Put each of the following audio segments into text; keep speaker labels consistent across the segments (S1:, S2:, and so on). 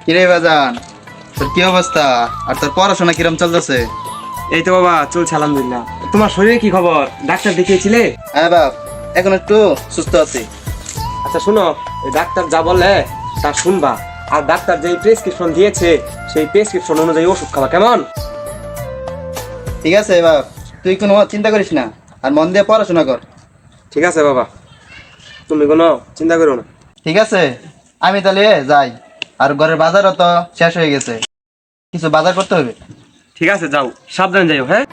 S1: কিরে বাজান, তোর কি অবস্থা? আর তোর পড়াশোনা কিরম চলতেছে?
S2: এই তো বাবা চলছে আলহামদুলিল্লাহ। তোমার শরীরে কি খবর? ডাক্তার দেখিয়েছিলে?
S1: হ্যাঁ বাপ, এখন একটু সুস্থ আছি।
S2: আচ্ছা শোনো, এই ডাক্তার যা বলে তা শুনবা, আর ডাক্তার যেই প্রেসক্রিপশন দিয়েছে সেই প্রেসক্রিপশন অনুযায়ী ওষুধ খাবা, কেমন?
S1: ঠিক আছে বাপ, তুই কোনো চিন্তা করিস না, আর মন দিয়ে পড়াশোনা কর।
S2: ঠিক আছে বাবা, তুমি কোনো চিন্তা করো না।
S1: ঠিক আছে, আমি তাহলে যাই। আর ঘরের বাজারও তো শেষ হয়ে গেছে, কিছু বাজার করতে হবে।
S2: ঠিক আছে যাও, সাবধানে যাইও। হ্যাঁ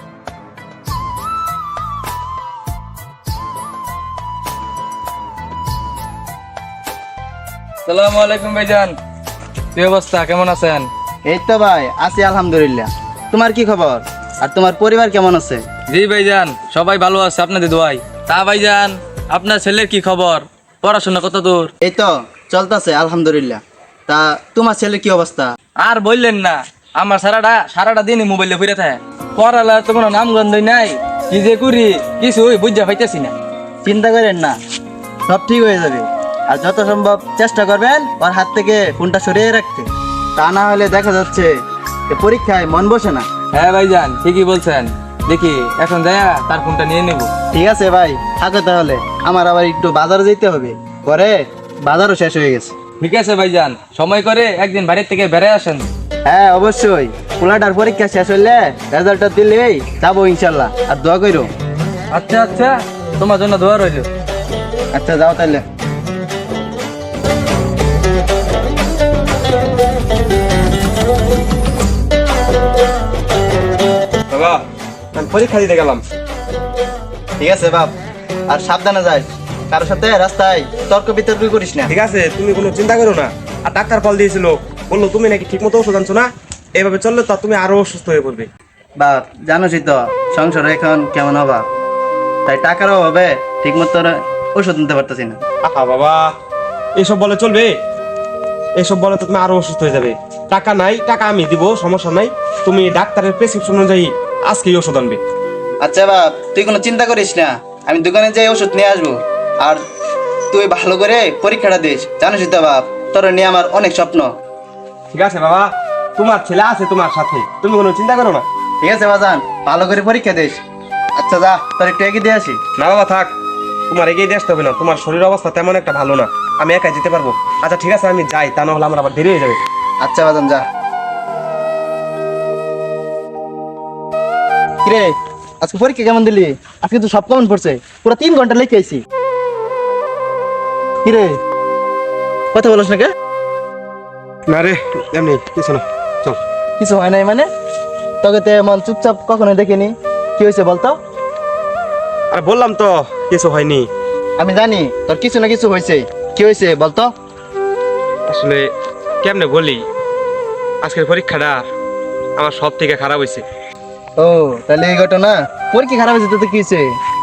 S3: সালামু আলাইকুম ভাইজান, কি অবস্থা, কেমন আছেন?
S1: এই তো ভাই আছি আলহামদুলিল্লাহ। তোমার কি খবর? আর তোমার পরিবার কেমন আছে?
S3: জি ভাইজান, সবাই ভালো আছে আপনাদের দোয়ায়। তা ভাইজান, আপনার ছেলের কি খবর? পড়াশোনা কত দূর?
S1: এই তো চলতেছে আলহামদুলিল্লাহ। তা তোমার ছেলের কি অবস্থা?
S3: আর বললেন না, আমার সারাটা দিনই মোবাইলে ফিরে থাকে। পড়ালা তো কোনো নামগন্ধই নাই, কি যে করি কিছুই বুঝা পাইতেছি না।
S1: চিন্তা করেন না, সব ঠিক হয়ে যাবে। আর যত সম্ভব চেষ্টা করবেন ওর হাত থেকে ফোনটা সরিয়ে রাখতে, তা না হলে দেখা যাচ্ছে যে পরীক্ষায় মন বসে না।
S3: হ্যাঁ ভাইজান, ঠিকই বলছেন। দেখি এখন যায়া তার ফোনটা নিয়ে নেব।
S1: ঠিক আছে ভাই, থাকো তাহলে, আমার আবার একটু বাজারে যেতে হবে, পরে বাজারও শেষ হয়ে গেছে।
S3: ঠিক আছে ভাইজান, সময় করে একদিন বাড়ির থেকে বেড়ে আসেন।
S1: হ্যাঁ অবশ্যই, পোলাটার পরীক্ষা শেষ হইলে রেজাল্টটা দিলেই যাবো ইনশাল্লাহ। আর দোয়া করো।
S3: আচ্ছা আচ্ছা, তোমার জন্য দোয়া রইল।
S1: আচ্ছা যাও তাহলে।
S2: বাবা, আমি পরীক্ষা দিতে গেলাম।
S1: ঠিক আছে বাপ, আর সাবধানে যাস, কারোর সাথে রাস্তায় তর্ক বিতর্ক করিস না।
S2: ঠিক আছে, তুমি কোনো চিন্তা করো না। আর ডাক্তার কল দিয়েছিল, বললো তুমি নাকি ঠিক মতো ওষুধ আনছো না, এইভাবে চললে তো তুমি আরো অসুস্থ হয়ে পড়বে।
S1: বাপ জানোসই তো সংসার এখন কেমন অভাব, তাই টাকার অভাবে ঠিক মতো ওষুধ নিতে পারতেছি না।
S2: আহা বাবা, এইসব বলে চলবে? এইসব বলে তো তুমি আরো অসুস্থ হয়ে যাবে। টাকা নাই, টাকা আমি দিব, সমস্যা নাই। তুমি ডাক্তারের প্রেসক্রিপশন অনুযায়ী আজকেই ওষুধ আনবে।
S1: আচ্ছা বাপ, তুই কোনো চিন্তা করিস না, আমি দোকানে যাই ওষুধ নিয়ে আসবো। আর তুই ভালো করে পরীক্ষাটা দিস, জানোসই তো বাপ তোর নিয়ে আমার অনেক স্বপ্ন।
S2: ঠিক আছে বাবা, তোমার ছেলে আছে তোমার সাথে, তুমি কোনো চিন্তা করো না।
S1: ঠিক আছে বাজান, ভালো করে পরীক্ষা দিস। আচ্ছা যা, তোর একটু এগিয়ে দিয়ে আসি।
S2: না বাবা থাক, তোমার এগিয়ে দিয়ে আসতে হবে না, তোমার শরীর অবস্থা তেমন একটা ভালো না, আমি একাই যেতে পারবো। আচ্ছা ঠিক আছে, আমি যাই, তা না হলে আমার আবার দেরি হয়ে যাবে।
S1: আচ্ছা বাজান যা। কিরে, আজকে পরীক্ষা কেমন দিলি? আজকে তো সব কেমন পড়ছে? পুরো 3 ঘন্টা লিখে আইছি। কিরে, কথা বলিস না কে?
S2: না রে, এমনি কিছু না, চল।
S1: কিছু হয় নাই মানে? তোকে তো এমন চুপচাপ কখনো দেখিনি, কি হয়েছে বলতো?
S2: আরে বললাম তো কিছু হয়নি।
S1: আমি জানি তোর কিছু না কিছু হয়েছে, কি হয়েছে বলতো?
S2: আসলে কেমনে বলি, আজকের পরীক্ষাটা আমার সব থেকে খারাপ হয়েছে।
S1: ও তাহলে এই ঘটনা, পরীক্ষা খারাপ হয়েছে তো কি হয়েছে?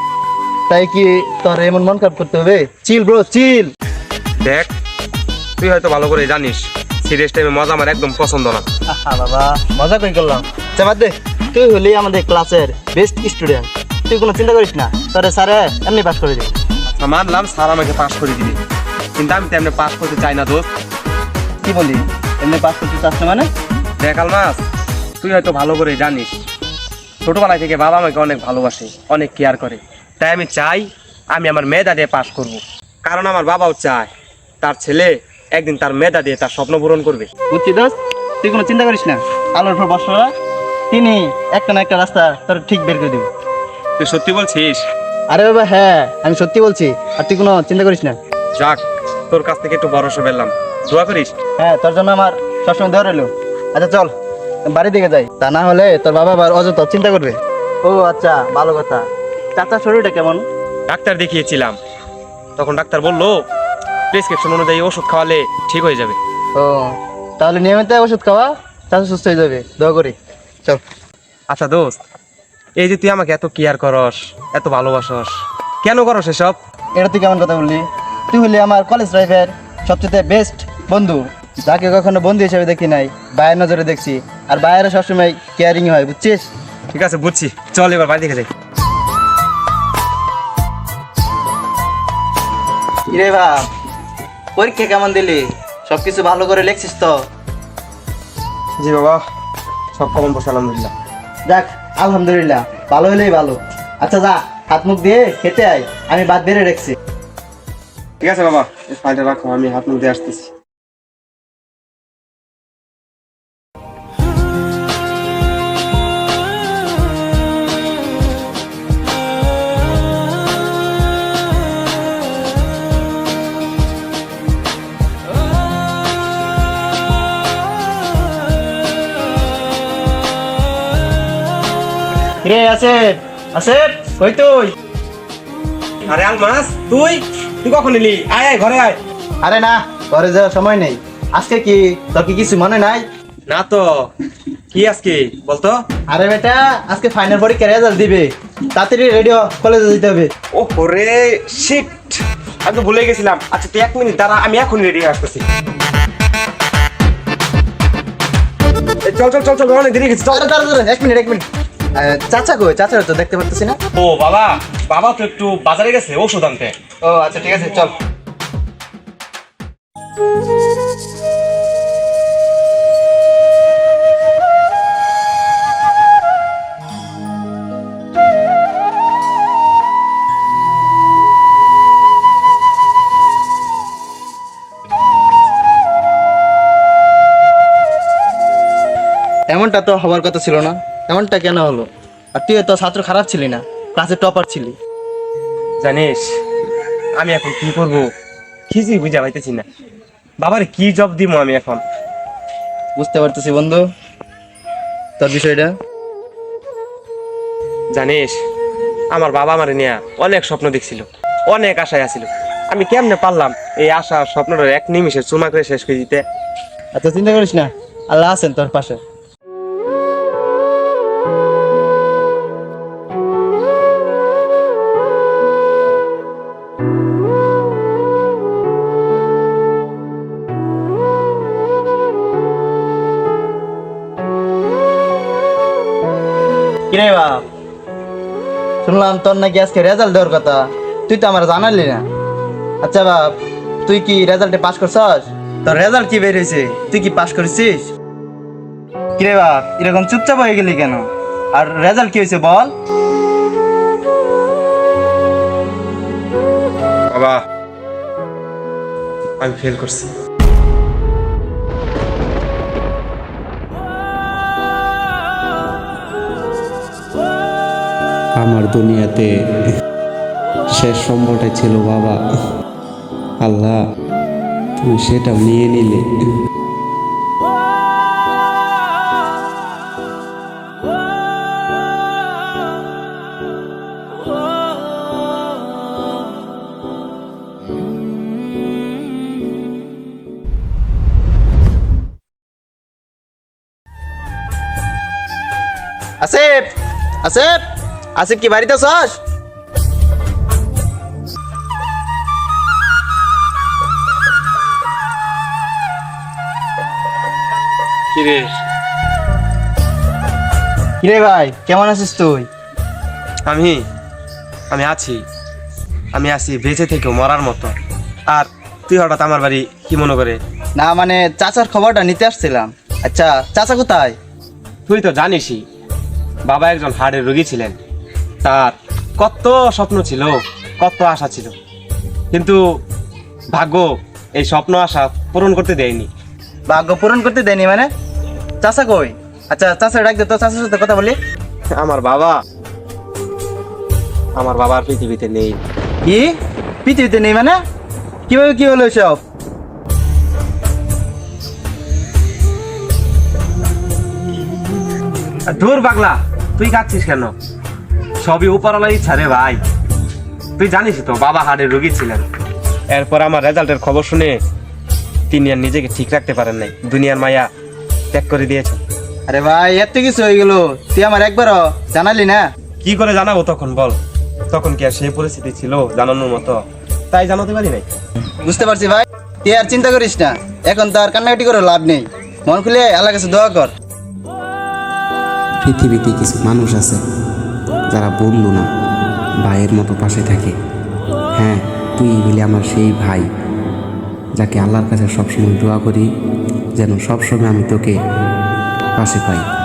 S1: তাই কি তোর এমন মন খারাপ করতে হবে? Chill bro chill.
S2: দেখ, তুই হয়তো ভালো করে জানিস সিরিয়াস টাইমে মজা আমার একদম পছন্দ না।
S1: আহা বাবা, মজা করে করলাম। আচ্ছা বাদ দে, তুই হলি আমাদের ক্লাসের বেস্ট স্টুডেন্ট, তুই কোনো চিন্তা করিস না, তোরে স্যারে এমনি পাস করে দিবি।
S2: আচ্ছা মানলাম স্যার আমাকে পাস করে দিবে, কিন্তু আমি তো এমনি পাস করতে চাই না দোস্ত।
S1: কি বলি, এমনি পাস করতে চাস না মানে?
S2: দেখ আলমাস, তুই হয়তো ভালো করে জানিস ছোটবেলায় থেকে বাবা আমাকে অনেক ভালোবাসে, অনেক কেয়ার করে। তাই আমি চাই আমি আমার মেধা দিয়ে পাস করব, কারণ আমার বাবাও চায় তার ছেলে একদিন তার মেধা দিয়ে তার স্বপ্ন পূরণ করবে।
S1: বুঝছি দোস্ত, তুই কোনো চিন্তা করিস না, আলোর উপর বর্ষা তিনি একটা না একটা রাস্তা তোর ঠিক বের করে দিবি।
S2: তুই সত্যি বলছিস?
S1: আরে বাবা হ্যাঁ, আমি সত্যি বলছি, আর তুই কোনো চিন্তা করিস না।
S2: যাক, তোর কাছ থেকে একটু ভরসা পেলাম, দোয়া করিস।
S1: হ্যাঁ, তোর জন্য আমার সবসময় দেওয়া রইলো। আচ্ছা চল বাড়ি দিকে যাই, তা না হলে তোর বাবা আবার অযথা চিন্তা করবে। ও আচ্ছা, ভালো কথা। চাচার শরীরটা কেমন?
S2: ডাক্তার দেখিয়েছিলাম, তখন ডাক্তার বললো প্রেসক্রিপশন অনুযায়ী ওষুধ খাওয়ালে ঠিক হয়ে যাবে।
S1: ও তাহলে নিয়মিত ওষুধ খাওয়া, চাচা সুস্থ হয়ে যাবে, দোয়া করি। চল।
S2: আচ্ছা দোস্ত, এই যে তুই আমাকে এত কেয়ার করস, এত ভালোবাসস, কেন করস এসব?
S1: এটা তুই কেমন কথা বললি? তুই হলি আমার কলেজ লাইফের সবচেয়ে বেস্ট বন্ধু, যাকে কখনো বন্ধু হিসেবে দেখি নাই, ভাইয়ের নজরে দেখছি, আর ভাইয়েরা সবসময় কেয়ারিং হয়, বুঝছিস?
S2: ঠিক আছে বুঝছি, চল এবার বাড়ি দেখে যাই।
S1: কিরে বাপ, পরীক্ষা কেমন দিলি? সবকিছু ভালো করে লিখছিস তো?
S2: জি বাবা, সব কমন বসে আলহামদুলিল্লাহ।
S1: যাক আলহামদুলিল্লাহ, ভালো হলেই ভালো। আচ্ছা যা, হাত মুখ দিয়ে খেতে আয়, আমি বাদ বেড়ে রেখেছি।
S2: ঠিক আছে বাবা, এই ফাইলটা রাখো, আমি হাত মুখ দিয়ে আসতেছি।
S1: রে আসেফ, আসেফ কই তুই?
S2: আরে আলমাস, তুই তুই কখন এলি? আয় আয়, ঘরে আয়।
S1: আরে না, ঘরে যাওয়ার সময় নেই। আজকে কি তোর কি কিছু মনে নাই?
S2: না তো, কি আজকে বলতো?
S1: আরে বেটা, আজকে ফাইনাল পরীক্ষার রেজাল্ট দিবে, তাড়াতাড়ি রেডিও কলেজে যেতে হবে।
S2: ও রে শিট, আমি তো ভুলে গেছিলাম। আচ্ছা তুই 1 মিনিট দাঁড়া, আমি এখন রেডি হয়ে আসতেছি। এই চল চল চল চল, অনেক দেরি হয়ে গেছে, চল।
S1: আরে দাঁড়া দাঁড়া, 1 মিনিট 1 মিনিট। চাচা কই? চাচা তো দেখতে পারতেছি না।
S2: ও বাবা, বাবা তো একটু বাজারে গেছে ওষুধ আনতে।
S1: ও আচ্ছা ঠিক আছে, চল। এমনটা তো হওয়ার কথা ছিল না, এমনটা কেন হলো? আর তুই তো ছাত্র খারাপ ছিলি না, ক্লাসে টপার ছিলি।
S2: জানিস আমি এখন কি করব কিছুই বুঝা পাইতেছি না। বাবারে কি জব দিব আমি এখন?
S1: বুঝতে পারতেছি বন্ধু তোর বিষয়টা।
S2: জানিস আমার বাবা আমারে নিয়ে অনেক স্বপ্ন দেখছিল, অনেক আশায় আছিল। আমি কেমনে পারলাম এই আশা স্বপ্নটা 1 নিমিষে চুমা করে শেষ করে দিতে?
S1: আচ্ছা চিন্তা করিস না, আল্লাহ আছেন তোর পাশে। কিরে বাপ, শুনলাম তোর নাকি আজকে রেজাল্ট দেওয়ার কথা, তুই তো আমার জানালি না। আচ্ছা বাপ, তুই কি রেজাল্টে পাস করছস? তোর রেজাল্ট কি বের হয়েছে? তুই কি পাস করেছিস? কিরে বাপ, এরকম চুপচাপ হয়ে গেলি কেন? আর রেজাল্ট কি হয়েছে বল?
S2: বাবা আমি ফেল করছি।
S4: আমার দুনিয়াতে শেষ সম্বলটাই ছিল বাবা। আল্লাহ তুমি সেটাও নিয়ে নিলে।
S1: আসিফ, আসিফ, আসিফ কি বাড়িতে আছস?
S2: কিরে
S1: কিরে ভাই, কেমন আছিস তুই?
S2: আমি আমি আছি, আমি আছি বেঁচে থেকেও মরার মতো। আর তুই হঠাৎ আমার বাড়ি কি মনে করে?
S1: না মানে চাচার খবরটা নিতে আসছিলাম। আচ্ছা চাচা কোথায়?
S2: তুই তো জানিসই বাবা একজন হার্টের রোগী ছিলেন। তার কত স্বপ্ন ছিল, কত আশা ছিল, কিন্তু ভাগ্য এই স্বপ্ন আশা পূরণ করতে দেয়নি।
S1: ভাগ্য পূরণ করতে দেয়নি মানে? চাচা কই? আচ্ছা চাচা ডাক দে তো, চাচার সাথে কথা বলি।
S2: আমার বাবা আর পৃথিবীতে নেই।
S1: কি পৃথিবীতে নেই মানে? কিভাবে কি হলো সব?
S2: দূর পাগলা, তুই কাঁদছিস কেন? সবই উপরওয়ালার ইচ্ছা রে ভাই। তুই জানিস তো বাবা হার্টের রোগী ছিলেন। এরপর আমার রেজাল্টের খবর শুনে তিনি আর নিজেকে ঠিক রাখতে পারেন নাই, দুনিয়ার মায়া ত্যাগ করে দিয়েছেন।
S1: আরে ভাই এত কিছু হয়ে গেল, তুই আমার একবারও জানালি না?
S2: কি করে জানাবো তখন বল? তখন কি আর সেই পরিস্থিতি ছিল জানানোর মতো? তাই জানাতে পারি নাই।
S1: বুঝতে পারছি ভাই, তুই আর চিন্তা করিস না, এখন তো আর কান্নাকাটি করে লাভ নেই। মন খুলে আল্লাহর কাছে দোয়া কর।
S4: পৃথিবীতে কিছু মানুষ আছে যারা বন্ধু না, ভাইয়ের মতো পাশে থাকে। হ্যাঁ, তুই বলে আমার সেই ভাই, যাকে আল্লাহর কাছে সবসময় দোয়া করি যেন সবসময় আমি তোকে পাশে পাই।